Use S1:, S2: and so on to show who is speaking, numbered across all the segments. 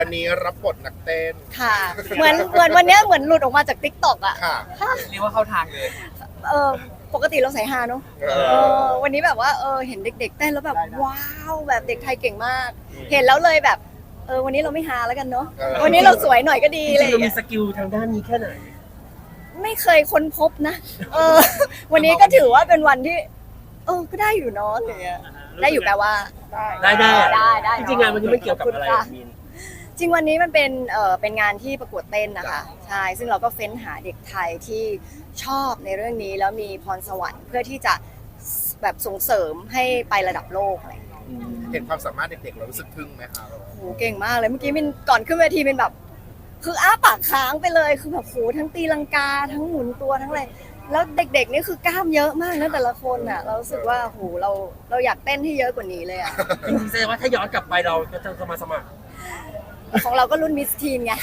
S1: วันนี้รับบทนักเต้น
S2: ค่ะเหมือนวันเนี้ยเหมือนหลุดออกมาจาก TikTok อ่ะ
S1: ค่ะ
S3: เรียกว่าเข้าทางเลย
S2: เออปกติเราใส่ฮาเนอะ
S1: เออ
S2: วันนี้แบบว่าเห็นเด็กๆเต้นแล้วแบบว้าวแบบเด็กไทยเก่งมาก เห็นแล้วเลยแบบวันนี้เราไม่ฮาแล้วกันเนาะวันนี้เราสวยหน่อยก็ดี
S4: จ
S2: เลย
S4: ริงๆเรามีสกิลทางด้านนี้แค่ไหน
S2: ไม่เคยค้นพบนะวันนี้ก็ถือว่าเป็นวันที่ก็ได้อยู่เนาะอะไรเงี้ยได้อยู่แปลว่า
S4: ได้
S2: ได้
S4: จริงๆงานวันนี้มันเกี่ยวกับอะไรมีน
S2: จริงวันนี้มันเป็นงานที่ประกวดเต้นนะคะใช่ซึ่งเราก็เฟ้นหาเด็กไทยที่ชอบในเรื่องนี้แล้วมีพรสวรรค์เพื่อที่จะแบบส่งเสริมให้ไประดับโลกอะไรอย่างเงี้ย
S1: เห็นความสามารถเด็กๆเรารู้สึกทึ่งไหมคะ
S2: โหเก่งมากเลยเมื่อกี้มินก่อนขึ้นเวทีมินแบบคืออ้าปากค้างไปเลยคือแบบโหทั้งตีลังกาทั้งหมุนตัวทั้งอะไรแล้วเด็กๆนี่คือกล้ามเยอะมากนะแต่ละคนอ่ะเรารู้สึกว่าโหเราอยากเต้นให้เยอะกว่านี้เลยอ่ะ
S4: จริงๆแสดงว่าถ้าย้อนกลับไปเราจะมาสมัคร
S2: ของเราก็รุ่นมิสทีนไง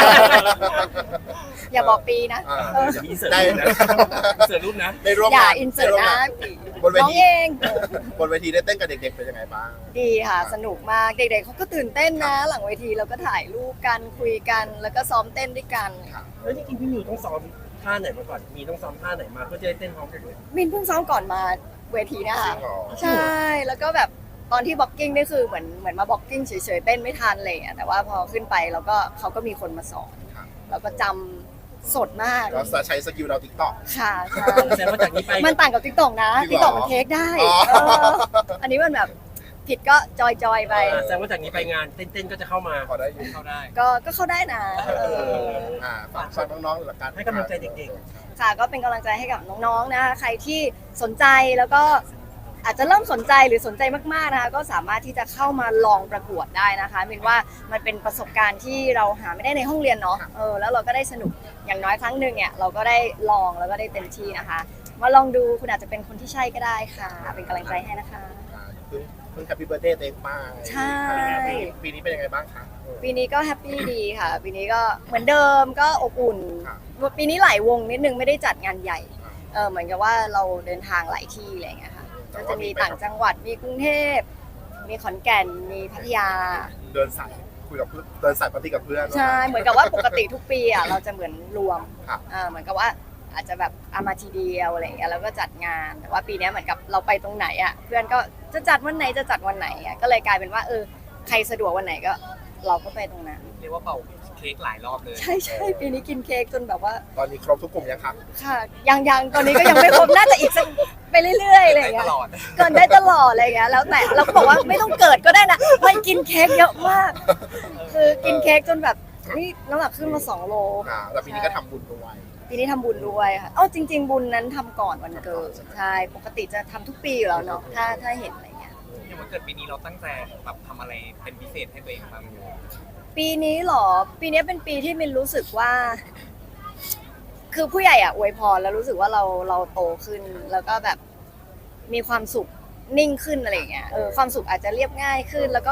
S2: อย่าบอกปีนะ
S4: มีเสิร์
S1: ได้
S4: ฟนะเสิร์ฟรูปนะ
S1: ได้ร่วม
S2: อย่าง
S1: าน
S2: อินเสิร์ต
S1: ได้วม
S2: นะ
S1: งาบนเว
S2: น้อง
S1: ที
S2: เอง
S1: บนเวทีได้เต้นกับเด็กๆเป็นยังไงบ้าง
S2: ดีค่ะสนุกมากเด็กๆเขาก็ตื่นเต้นนะ หลังเวทีเราก็ถ่ายรูปกันคุยกันแล้วก็ซ้อมเต้นด้วยกัน
S4: แล้วจริงๆพี่มิวต้องซ้อมท่าไหนมาก่อนมีต้องซ้อมท่าไหนมาเพื่อจะได้เต้นพร้อมกันเลย
S2: มินเพิ่งซ้อมก่อนมาเวทีเนะคะ
S1: จริงเหรอ
S2: ใช่แล้วก็แบบตอนที่บล็อกกิ้งนี่คือเหมือนมาบล็อกกิ้งเฉยๆเต้นไม่ทันอะไรอย่างเลยแต่ว่าพอขึ้นไปแล้วก็เขาก็มีคนมาสอนแล้วก็จำสดมาก
S1: เราจะใช้สกิลเราติ๊กต็อก
S2: ค่ะใช่
S4: แสดงว่าจากนี้ไป
S2: มันต่างกับติ๊กต็อกนะ
S1: จริ
S2: ติ๊
S1: ง
S2: ก
S1: เหรอ
S2: ต็อกมันเทคได้
S1: อ๋อ
S2: อันนี้มันแบบผิดก็จอยๆไป
S4: แสดงว่าจากนี้ไปงานเต้นๆก็จะเข้ามา
S1: พอได้อยู่
S3: เข้าได้
S2: ก็เข้าได้นะ
S1: ฝากน้องๆหลักการ
S4: ให้กำลังใจเด็ก
S2: ค่ะก็เป็นกำลังใจให้กับน้องๆนะคะใครที่สนใจแล้วก็อาจจะเริ่มสนใจหรือสนใจมากๆนะคะก็สามารถที่จะเข้ามาลองประกวดได้นะคะมินว่ามันเป็นประสบการณ์ที่เราหาไม่ได้ในห้องเรียนเนาะแล้วเราก็ได้สนุกอย่างน้อยครั้งหนึ่งเนี่ยเราก็ได้ลองแล้วก็ได้เต็มที่นะคะมาลองดูคุณอาจจะเป็นคนที่ใช่ก็ได้ค่ะเป็นกำลังใจให้นะคะ
S1: เพิ่งแฮปปี้เบิร์ดเดย์ตัวเองไป
S2: ใช่
S1: ปีนี้เป็นยังไงบ้างคะ
S2: ปีนี้ก็แฮปปี้ดีค่ะ ปีนี้ก็เหมือนเดิมก็อบอุ่น ปีนี้หลายวงนิดนึงไม่ได้จัดงานใหญ่เหมือนกับว่าเราเดินทางหลายที่อะไรอย่างเงี้ยค่ะก็จะมีต่างจังหวัดมีกรุงเทพมีขอนแก่นมีพัทยา
S1: เดินสายคุยกับเพื่อนเดินสายปาร์ตี้กับเพื่อน
S2: ใช่เหมือนกับว่าปกติทุกปีอ่ะเราจะเหมือนรวม
S1: ครับ
S2: เหมือนกับว่าอาจจะแบบเอามาทีเดียวอะไรอย่างเงี้ยแล้วก็จัดงานแต่ว่าปีนี้เหมือนกับเราไปตรงไหนอ่ะเพื่อนก็จะจัดวันไหนจะจัดวันไหนอ่ะก็เลยกลายเป็นว่าใครสะดวกวันไหนก็เราก็ไปตรงนั้น
S3: เรียกว่าเป่าเค้กหลายรอบเลย
S2: ใช่ปีนี้กินเค้กจนแบบว่า
S1: ตอนนี้ครบทุกกลุ่มยังคะ
S2: ค่ะยังตอนนี้ก็ยังไม่ครบน่าจะอีกสักไปเรื่อยๆอะไรอย่างเงี้ย
S3: ตลอด
S2: เกินได้ตลอดอะไรอย่างเงี้ยแล้วแต่เราก็บอกว่าไม่ต้องเกิดก็ได้นะมันกินเค้กเยอะมาก คือกินเค้กจนแบบนี่น้ำหนักขึ้นมา2 โล
S1: แล้วปีนี้ก็ทำบุญด้วย
S2: ปีนี้ทำบุญด้วยค่ะจริง ๆ บุญนั้นทำก่อนวันเกิดใช่ปกติจะทำทุกปีอยู่แล้วเนาะถ้าเห็นอะไรเงี้ย
S3: อย่างวันเกิดปีนี้เราตั้งใจแบบทำอะไรเป็นพิเศษให้ตัวเองบ้าง
S2: ปีนี้เหรอปีนี้เป็นปีที่มินรู้สึกว่า คือผู้ใหญ่อวยพรแล้วรู้สึกว่าเราโตขึ้น แล้วก็แบบมีความสุขนิ่งขึ้นอะไรอย่างเงี้ยความสุขอาจจะเรียบง่ายขึ้น แล้วก็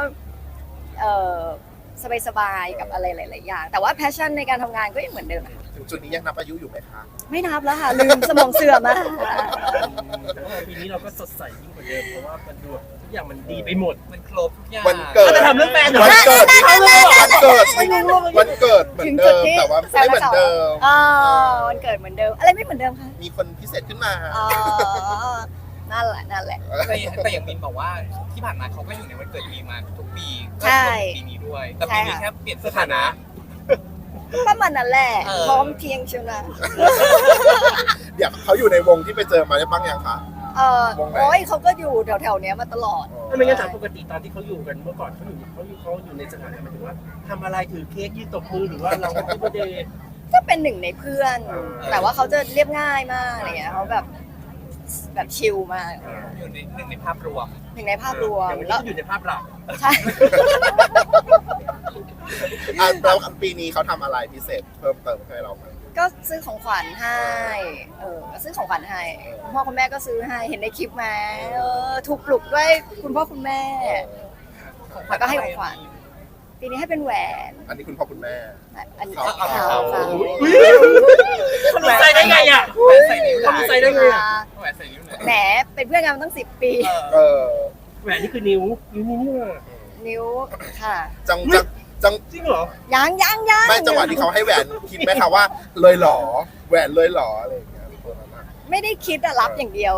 S2: สบายๆกับอะไรหลายๆอย่างแต่ว่าแพชชั่นในการทำงานก็ยังเหมือนเดิมอะ
S1: ถึงจุดนี้ยังนับอายุอยู่ไหมคะ
S2: ไม่นับแล้วค่ะลืมสมองเสื่อมอะ
S4: แต่ว่าปีนี้เราก็สดใสยิ่งกว่าเดิมเพราะว่ามันดูทุกอย่างมันดีไปหมด
S3: มันครบทุกอย่าง
S1: วันเกิด
S4: จะทำเรื่องแฟนเหรอ
S1: วันเกิดวันเกิดเหมือนเดิมแต่ว่าไม่เหมือนเดิม
S2: วันเกิดเหมือนเดิมอะไรไม่เหมือนเดิมคะ
S1: มีคนพิเศษขึ้นมา
S2: นั่นแหละ
S3: แต่อย่างมินบอกว่าที่ผ่านมาเขาก็อยู่ในวันเกิดมีมาทุกปีก็
S2: ใช่
S3: รวมถึงปีนี้ด้วย แต่ปีนี้แค่เปลี่ยนสถานะ
S2: ประมาณนั้นแหละ
S3: เออ
S2: พร้อมเพรียงเชียวนะ
S1: เดี๋ยวเขาอยู่ในวงที่ไปเจอมาได้บ้างยังคะ วงไหน
S2: โอ้ยเขาก็อยู่แถวๆเนี้ยมาตลอด
S4: ถ้าไม่งั้นถามปกติตอนที่เขาอยู่กันเมื่อก่อนเขาอยู่ในสถานะหมายถึงว่าทำอะไรถือเค้กยืนตบมือหรือว่าเราแฮปปี้เบิร์ธเดย์
S2: ก็เป็นหนึ่งในเพื่อน แต่ว่าเขาจะเรียบง่ายมากอะไรเงี้ยเขาแบบชิลมาก
S3: อยู่ในหนึ่งในภาพรวม
S2: หนึ่งในภาพรวม
S4: อย่างวันนี้
S2: แล้ว
S4: ก็อยู่ในภาพหลัก
S2: ใช่
S1: แล้วปีนี้เขาทำอะไรพิเศษเพิ่มเติมให้เราไหม
S2: ก็ซื้อของขวัญให้ก็ซื้อของขวัญให้คุณพ่อคุณแม่ก็ซื้อให้เห็นในคลิปไหมถูกปลุกด้วยคุณพ่อคุณแม่แล้วก็ให้ของขวัญปีนี้ให้เป็นแหวน
S1: อันนี้คุณพ่อคุณแม่
S2: อันนี้
S1: เขา
S2: ค่ะ
S4: เขารู้ใจได้ไงอ่ะ
S3: แหวนใส่นิ้วไหน
S4: เขารู้ใจได้ไงอ่ะ
S3: แหวนใส่นิ้วไหน
S2: แหมเป็นเพื่อนกันมาตั้ง10 ปี
S1: เออ
S4: แหวนนี่คือนิ้วนี่ว่ะ
S2: นิ้วค่ะ
S1: จังจัง
S4: จริงเหรอ
S2: ยัง
S1: ไม่จังหวะที่เขาให้แหวนคิดไหมคะว่าเลยเหรอแหวนเลยเหรออะไรอย่างเงี้ยตัวนั้นอะ
S2: ไม่ได้คิดอะรับอย่างเดียว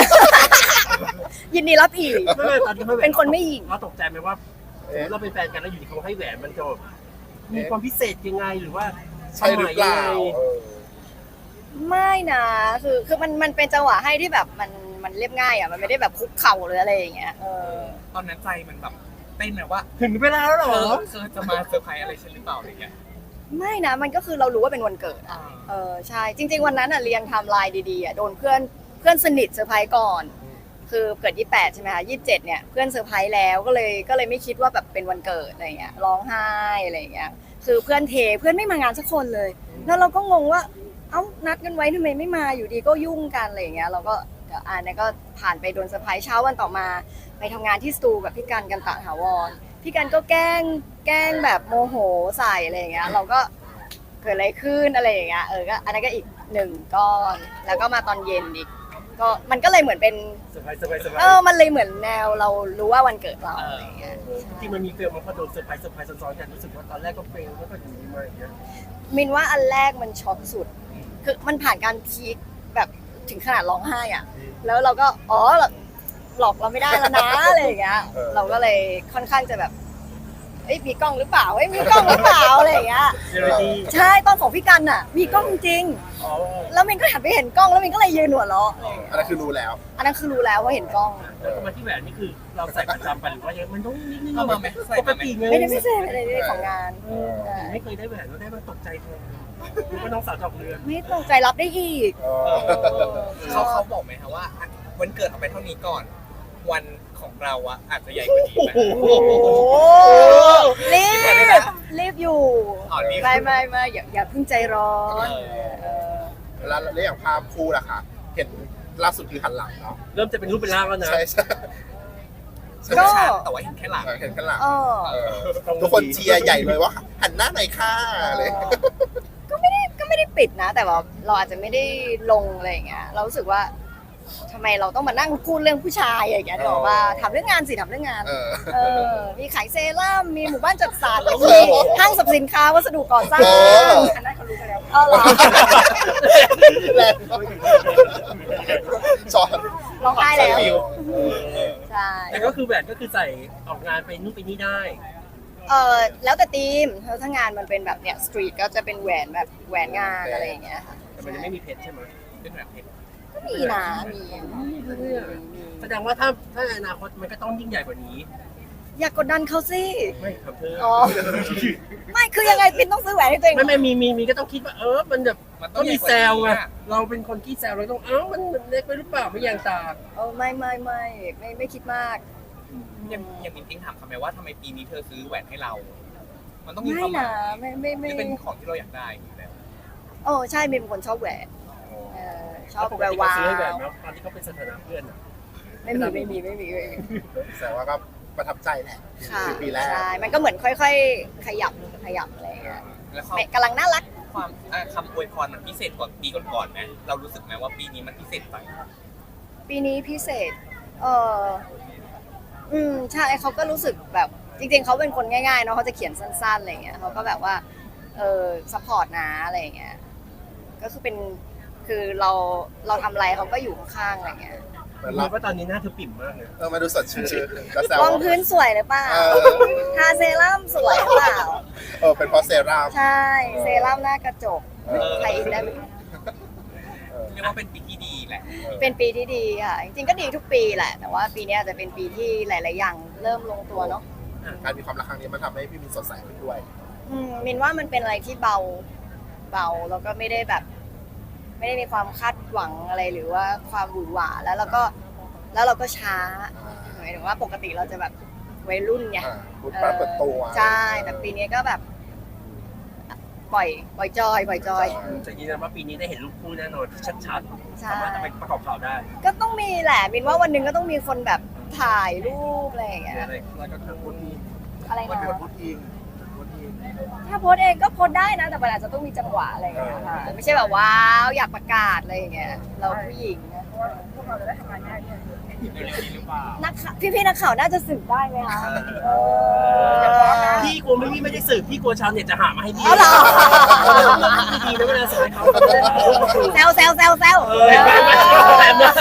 S2: ยินดีรับอีก
S4: ไม่ตอนที่เขาแหวน
S2: เป็นคนไม่หญิง
S4: เราตกใจไหมว่าสมมติเราเป็นแฟนกันแล้วอยู่ดีเขาให้แหวนมันจะมีความพิเศษยังไงหรือว่า
S1: ใช่หรือเปล่าเออ
S2: ไม่นะคือมันเป็นจังหวะให้ที่แบบมันเรียบง่ายอ่ะมันไม่ได้แบบคุกเข่าหรืออะไรอย่างเงี้ย
S3: ตอนนั้นใจมันแบบเต้นนะว่า
S4: ถึงเวลาแล้วเหรอ
S3: เธอจะมาเซอร์ไพรส์อะไรฉันหรือเปล่าอะไรเงี้ย
S2: ไม่นะมันก็คือเรารู้ว่าเป็นวันเกิดอ่ะใช่จริงๆวันนั้นอ่ะเรียงไทม์ไลน์ดีๆอ่ะโดนเพื่อนสนิทเซอร์ไพรส์ก่อน คือเกิด28ใช่ไหมคะ27เนี่ยเพื่อนเซอร์ไพรส์แล้วก็เลยไม่คิดว่าแบบเป็นวันเกิดอะไรเงี้ยร้องไห้อะไรเงี้ยคือเพื่อนเพื่อนไม่มางานสักคนเลย แล้วเราก็งงว่าเอ้านัดกันไว้ทำไมไม่มาอยู่ดีก็ยุ่งกันอะไรเงี้ยเราก็เนี่ยก็ผ่านไปโดนเซอร์ไพรส์เช้าวันต่อมาไปทำงานที่สตูกับพี่กันตะถาวรพี่กันก็แกล้งแบบโมโหใส่อะไรเงี้ยเราก็เกิดอะไรขึ้นอะไรอย่างเงี้ยก็อันนั้นก็อีก1ก้อนแล้วก็มาตอนเย็นอีกก็มันก็เลยเหมือนเป็น
S4: สบายสบายสบาย
S2: มันเลยเหมือนแนวเรารู้ว่าวันเกิดเราอะไรอย่างเงี้ย
S4: จริงมันมีเฟลมาพอโดนเซอร์ไพรส์ซ้อนๆกันรู้สึกว่าตอนแรกก็เฟลแล้วก็อยู่ดีมาอย่างเงี้ย
S2: มินว่าอันแรกมันช็อกสุดคือมันผ่านการพีคแบบถึงขนาดร้องไห้อ่ะแล้วเราก็หลอกเราไม่ได้แล้วนะอะไรอย่างเงี้ยเราก็เลยค่อนข้างจะแบบมีกล้องหรือเปล่ามีกล้องหรือเปล่าอะไรอย่างเงี้ยใช่ตอนของพี่กันอ่ะมีกล้องจริงแล้วมินก็หันไปเห็นกล้องแล้วมินก็เลยยืนหัวเราะ
S1: อันนั้นคือรู้แล้ว
S2: อันนั้นคือรู้แล้วว่าเห็นกล้อง
S4: แล้วก็มาที่แหวนนี่คือเราใส่ประจำไปหรือว่ายังมันต้องนิดนึง
S3: เข้ามาไหมใส่
S4: ปก
S3: มาไหม
S4: ติไง
S2: ไม่ได้พิเศษอะไรเลยของงาน
S4: ไม่เคยได้แหวนแล้วได้มาตกใจแทนรู้ว่าน้องสาวดอกเรือน
S2: ไม่ตกใจรับได้อีก
S3: เขาบอกไหมคะว่าวันเกิดเอาไปเท่านี้ก่อน วันของเราอะอาจจะใหญ่กว่านี้ไหม
S2: รีบอยู่
S3: รีบ
S2: ไม่อย่าเพิ่งใจร้อน
S1: แล้วอย่างภาพคู่ล่ะคะเห็นล่าสุดคือหันหลังเนาะ
S4: เริ่มจะเป็นรูปเป็นร่างแล้วนะ
S1: ใช่
S3: ก็แต่ว่าเห็นแค่หลัง
S1: เห็นกันหลัง
S2: เออ
S1: ทุกคนเชียร์ใหญ่เลยว่าหันหน้าหน่อยค่ะเลย
S2: ก็ไม่ได้ปิดนะ แต่ว่าเราอาจจะไม่ได้ลงอะไรอย่างเงี้ยเรารู้สึกว่าทำไมเราต้องมานั่งพูดเรื่องผู้ชายอย่างเงี้ยหรอกว่าทำเรื่องงานสิทำเรื่องงานมีขายเซรั่มมีหมู่บ้านจัดสรรมีห้างสรรพสินค้าวัสดุก่อสร้างอันนั้นเขารู้กันแล้วเหรอ
S1: แรงสอน
S2: ร้องไห้แล้วใช่
S4: แต่ก็คือแหวนก็คือใส่ออกงานไปนู่นไปนี่ได้
S2: แล้วแต่ทีมถ้างานมันเป็นแบบเนี้ยสตรีทก็จะเป็นแหวนแบบแหวนงานอะไรอย่างเงี้ยค่ะ
S4: แต่มันยังไม่มีเพชรใช่ไหม
S3: เป็นแบบเพชร
S2: ก็มีนะมี
S4: แสดงว่าถ้าในอนาคตมันก็ต้องยิ่งใหญ่กว่านี้
S2: อย่ากดดันเขาสิ
S4: ไม่ครับเธอ
S2: อ๋อไม่คือยังไงปินต้องซื้อแหวนให้ตัวเอง
S4: ไม่มีก็ต้องคิดว่ามันแบบก็มีแซวไงเราเป็นคนขี้แซวเราต้องมันเล็กไปหรือเปล่าไม่ยางตา
S2: ไม่คิดมาก
S3: ยังมีทิ้งถามคำไหมว่าทำไมปีนี้เธอซื้อแหวนให้เรา มันต้องมี
S2: ไม่
S3: ความหมา
S2: นะ
S3: ย
S2: ไม่
S3: ที่เป็นของที่เราอยากได้อยู่แล้ว
S2: โอ้ใช่มินเป็นคนชอบแหวนชอบ
S4: ปก
S2: แหว
S4: ติ
S2: ว
S4: เขา
S2: วา
S4: ซื้อให้แหวน
S2: ว
S4: แล้วตอนที่เขาเป็นสถานะเพื่อน
S2: ไม่มี
S1: แต่ว่าก็ประทับใจแหละ
S2: ค่ะ
S1: คือปีแรก
S2: ใช่มันก็เหมือนค่อยๆขยับอะไรอย่างเงี้ย
S3: แล้วเขา
S2: กำลังน่ารัก
S3: ความคำอวยพรมันพิเศษกว่าปีก่อนๆไหมเรารู้สึกไหมว่าปีนี้มันพิเศษไป
S2: ปีนี้พิเศษใช่เขาก็รู้สึกแบบจริงๆเขาเป็นคนง่ายๆเนาะเขาจะเขียนสั้นๆอะไรอย่างเงี้ยเขาก็แบบว่าซัพพอร์ตนะอะไรอย่างเงี้ยก็คือเป็นคือเราทำอะไรเขาก็อยู่ข้างๆอะไรอย่างเงี้ย
S1: เหมือน
S4: รู้
S1: เรา
S4: ว่าตอนนี้หน้าเธอปิ่มมากเลย
S1: มาดูสดชื่นก็แซว
S2: รองพื้นสวยหรือเปล่าทาเซรั่มสวยหรือเปล่า
S1: เป็นเพราะเซรั่ม
S2: ใช่เซรั่มหน้ากระจกไทยอินได้ไหม
S3: เรียกว่าเป็นปีที่ดีแหละ
S2: เป็นปีที่ดีค่ะจริงๆก็ดีทุกปีแหละแต่ว่าปีนี้อาจจะเป็นปีที่หลายๆอย่างเริ่มลงตัวเนาะ
S1: การมีความรักครั้งนี้มันทำให้พี่มีสดใสขึ้นด้วย
S2: มินว่ามันเป็นอะไรที่เบาแล้วก็ไม่ได้แบบ ไม่ได้มีความคาดหวังอะไรหรือว่าความหวือหวาแล้วเราก็ช้าหมายถึงว่าปกติเราจะแบบวัยรุ่นไง
S1: พูดปากเปิดตัว
S2: ใช่แต่ปีนี้ก็แบบปล่อยจอย
S4: จะยืนยันว่าปีนี้ได้เห็นรูปคู่แน่นอนชัด
S2: ใช่
S4: ๆสามารถจะไปประกอบข่าวได้
S2: ก็ต้องมีแหละมินว่าวันหนึ่งก็ต้องมีคนแบบถ่ายรูปอะไรอย่างเงี้ย
S4: อะไรแล้วก็ทั้งคนนี้
S2: อะไรนะ
S1: พูดอิง
S2: ถ้าโพสต์เองก็โพสต์ได้นะแต่มันอาจจะต้องมีจังหวะอะไรอย่างเงี้ยค่ะไม่ใช่แบบว้าวอยากประกาศอะไรอย่างเงี้ยเราผู้หญิงนะ
S5: พวกเราจะได้ทำงานง่ายขึ้น
S3: เร็วๆนี้หรือเปล่า
S2: นักข่าวพี่ๆนักข่าวน่าจะสืบได้ไหมคะ
S4: พี่กลัวไม่ได้สืบพี่กลัวชาวเน็ตจะหามาให้พี่
S2: เอาเหรอ
S4: ดีนะเวลาสายเขา
S2: แซว
S4: แบบนั้น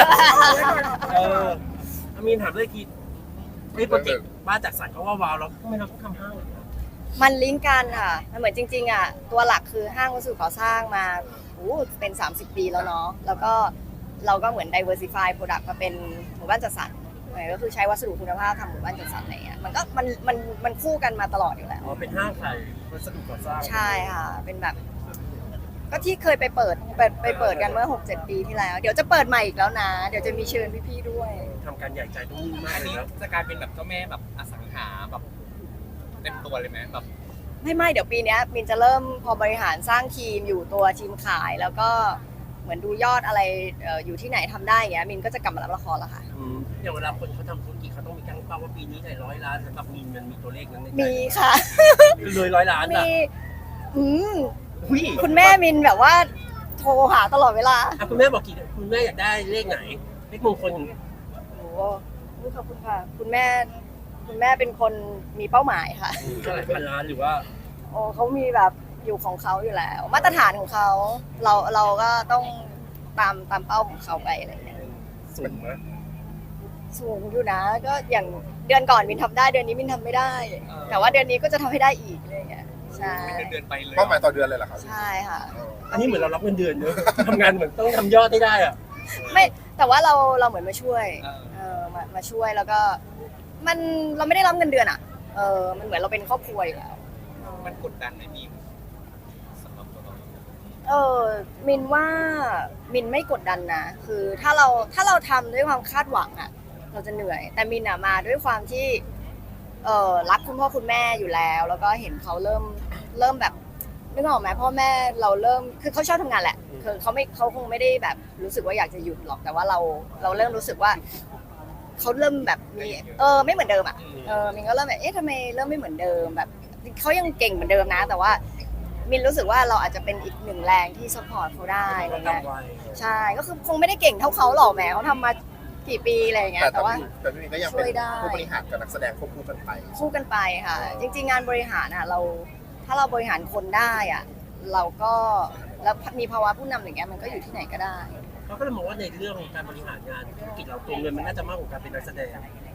S4: อามีนถามเลยทีโปรเจกต์บ้านจากสายเขาว่าวาวแล้วทำไมเราต้องทำห้าง
S2: มันลิงก์กันค่ะมันเหมือนจริงๆอ่ะตัวหลักคือห้างวัสดุก่อสร้างมาเป็น 30 ปีแล้วเนาะแล้วก็เราก็เหมือน diversify product มาเป็นหมู่บ้านจัดสรรก็คือใช้วัสดุคุณภาพทำหมู่บ้านจัดสรรอะไรเงี้ยมันก็มันคู่กันมาตลอดอยู่แล้ว
S4: อ๋อเป็นห้างขายวัสดุก่อสร้าง
S2: ใช่ค่ะเป็นแบบ ก็ที่เคยไปเปิดกันเมื่อ 6-7 ปีที่แล้ว เดี๋ยวจะเปิดใหม่อีกแล้วนะ เดี๋ยวจะมีเชิญพี่ๆด้วย
S4: ทำการใหญ่ใจต้องนิ่งมาก
S3: อัน
S4: เลย
S3: นี้
S4: แล้ว
S3: จะกลายเป็นแบบเจ้าแม่แบบอสังหาแบบเต็มตัวเลยไหมแบบ
S2: ไม่เดี๋ยวปีเนี้ยมินจะเริ่มพอบริหารสร้างทีมอยู่ตัวทีมขายแล้วก็เหมือนดูยอดอะไรอยู่ที่ไหนทำได้อย่างเงี้ยมินก็จะกลับมารับละครแล้วค่ะ
S4: อย่างเวลาคนเขาทำธุรกิจเขาต้องมีการเป้าว่าปีนี้ได้100 ล้านสำหรับมีนมันมีตัวเลขนั้นในใจ
S2: มีค่ะ
S4: คือเลย100 ล้าน
S2: มี
S4: อ่ะ
S2: อืม
S4: อุ้ย
S2: คุณแม่มินแบบว่าโทรหาตลอดเวลา
S4: คุณแม่บอกคุณแม่อยากได้เลขไหนเลขมงคล
S2: โอ้โหขอบคุณค่ะ คุณแม่เป็นคนมีเป้าหมายค่ะ
S4: เท่าไหร่พันล้านหรือว่า
S2: โอ้เขามีแบบอยู่ของเขาอยู่แล้ว มาตรฐานของเขาเราก็ต้องตามเป้าของเขาไปอะไรอย่างเงี้ย
S4: สูงไหม
S2: สูงอยู่นะ ก็อย่างเดือนก่อนมินทำได้เดือนนี้มินทำไม่ได้ แต่ว่าเดือนนี้ก็จะทำให้ได้อีกอะไรอย่างเงี้ยใช่
S3: เป็นเดือนๆไปเลย
S1: เป้าหมายต่อเดือนเลยเหรอครับ
S2: ใช่ค่ะ
S4: อันนี้เหมือนเรารับเงินเดือนเนอะทำงานเหมือนต้องทำยอดได้อ่ะ
S2: ไม่แต่ว่าเราเหมือนมาช่วยมาช่วยแล้วก็เราไม่ได้รับเงินเดือนอ่ะมันเหมือนเราเป็นครอบครัวอยู่แล้ว
S3: มันกดดันไหมมีสำหรับตัวเรา
S2: มินว่ามินไม่กดดันนะคือถ้าเราทำด้วยความคาดหวังอ่ะเราจะเหนื่อย แต่มินอ่ะมาด้วยความที่รักคุณพ่อคุณแม่อยู่แล้ว แล้วก็เห็นเขาเริ่มแบบนึกออกไหมพ่อแม่เราเริ่มคือเขาชอบทำงานแหละคือเขาคงไม่ได้แบบรู้สึกว่าอยากจะหยุดหรอกแต่ว่าเราเริ่มรู้สึกว่าเขาเริ่มแบบมีไม่เหมือนเดิมอ่ะมินก็เริ่มแบบทำไมเริ่มไม่เหมือนเดิมแบบเขายังเก่งเหมือนเดิมนะ แต่ว่ามินรู้สึกว่าเราอาจจะเป็นอีกหนึ่งแรงที่ซัพพอร์ตเขาได้อะไรเงี้ยใช่ก็คือคงไม่ได้เก่งเท่าเขาหรอกแหมเขาทำมากี่ปีอะไรอย่างเงี้ยแต่ว่า
S1: แต่พี่มินก็ยังเป็นผู้บริหารกับนักแสดงควบคู่กันไป
S2: คู่กันไปค่ะ จริงๆงานบริหารอ่ะถ้าเราบริหารคนได้อ่ะเราก็แล้วมีภาวะผู้นำอย่างเงี้ยมันก็อยู่ที่ไหนก็ได้
S4: เขาก็เลยมองว่าในเรื่องของการบริหารงานธุรกิจเราตัวเงินมันน่าจะมากกว่าการเป็นนักแสดง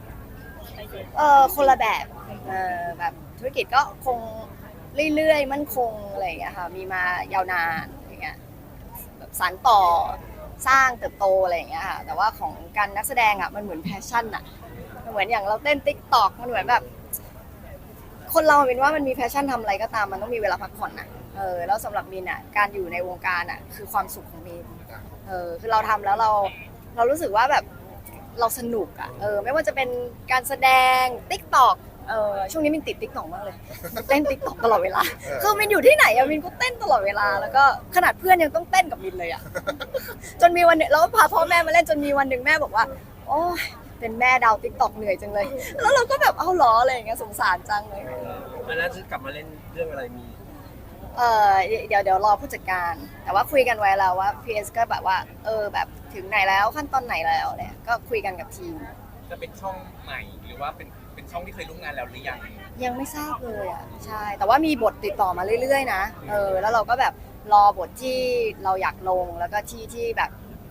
S2: คนละแบบแบบธุรกิจก็คงเรื่อยๆมั่นคงอะไรอย่างเงี้ยค่ะมีมายาวนานอย่างเงี้ยแบบสานต่อสร้างเติบโตอะไรอย่างเงี้ยค่ะแต่ว่าของการนักแสดงอ่ะมันเหมือนแพชชั่นอ่ะมันเหมือนอย่างเราเต้นติ๊กต็อกมันเหมือนแบบคนเราเป็นว่ามันมีแพชชั่นทำอะไรก็ตามมันต้องมีเวลาพักผ่อนนะแล้วสำหรับมินอ่ะการอยู่ในวงการอ่ะคือความสุขของมินคือเราทำแล้วเรารู้สึกว่าแบบเราสนุกอ่ะไม่ว่าจะเป็นการแสดงติ๊กต็อกช่วงนี้มินติดติ๊กต็อกมากเลยเต้นติ๊กต็อกตลอดเวลาคือมินอยู่ที่ไหนอะมินก็เต้นตลอดเวลาแล้วก็ขนาดเพื่อนยังต้องเต้นกับมินเลยอะ จนมีวันหนึ่งแล้วพาพ่อแม่มาเล่นจนมีวันหนึ่งแม่บอกว่าโอ้ยเป็นแม่ดาวติ๊กต็อกเหนื่อยจังเลยแล้วเราก็แบบเอาล้ออะไรอย่างเงี้ยสงสารจังเลย
S4: แล้วจะกลับมาเล่นเรื่องอะไรมี
S2: เดี๋ยวรอผู้จัดการ แต่ว่าคุยกันไว้แล้วว่า PS ก็แบบว่าแบบถึงไหนแล้วขั้นตอนไหนแล้วเนี่ยก็คุยกันกับทีม
S3: จะเป็นช่องใหม่หรือว่าเป็นช่องที่เคยร่วมงานแล้วหรือยัง
S2: ยังไม่ทราบเลยอ่ะใช่แต่ว่ามีบทติดต่อมาเรื่อยๆนะแล้วเราก็แบบรอบทที่เราอยากลงแล้วก็ที่แบบ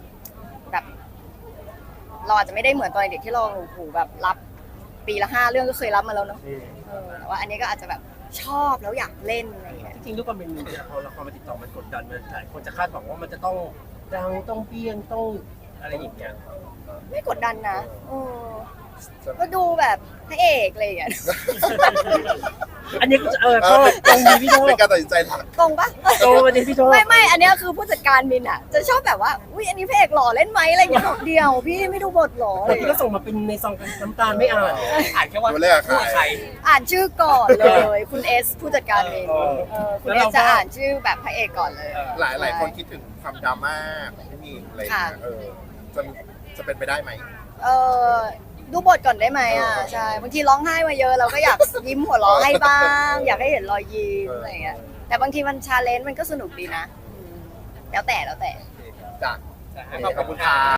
S2: เราอาจจะไม่ได้เหมือนตอนเด็กที่เราโอ้โหแบบรับปีละ5 เรื่องก็เคยรับมาแล้วเนาะแต่ว่าอันนี้ก็อาจจะแบบชอบแล้วอยากเล่นอะไรอย่างเงี้ย
S4: จริงๆด้วยความเป็นพอละครมาติดต่อมันกดดันมันหลายคนจะคาดหวังว่ามันจะต้องดังต้องเปี้ยงต้องอะไรอย่างเงี้ย
S2: ไม่กดดันนะก็ดูแบบพระเอกอะไรอย่างเงี้ย
S4: อันนี้ก็ก็ตรงดีพี่โชค
S1: เป็นการตัดสินใจหลัก
S2: ตรงปะ
S4: ตรงประเด็นพี่โชค
S2: ไม่อันเนี้ยคือผู้จัดการมินอ่ะจะชอบแบบว่าอุ้ยอันนี้พระเอกหล่อเล่นไหมอะไรอย่างเงี้ยบอกเดียวพี่ไม่ดูบทหรออะไร
S4: แต่
S2: อย่าง
S4: พี่
S2: เงี้
S4: ก็
S2: ย
S4: ส่งมาเป็นในซองกันน้ำตาลไม่อ่าน
S3: อ่านแค่ว่า
S1: ดูเลขอะ
S3: คู่กับใคร
S2: อ่านชื่อก่อนเลยคุณเอสผู้จัดการมินคุณเอสจะอ่านชื่อแบบพระเอกก่อนเลย
S1: หลายคนคิดถึงความดราม่าของพี่มีนอะไรอย่างเงี้ยจะเป็นไปได้ไหม
S2: ดูบทก่อนได้ไหมอ่ะใช่บางทีร้องไห้มาเยอะเราก็อยากยิ้มหัวเราะให้บ้าง อยากให้เห็นรอยยิ้มอะไรอย่างเงี้ยแต่บางทีมันชาเลนจ์มันก็สนุกดีนะแล้วแต่
S1: จ้ะ
S3: ขอบคุณค่ะ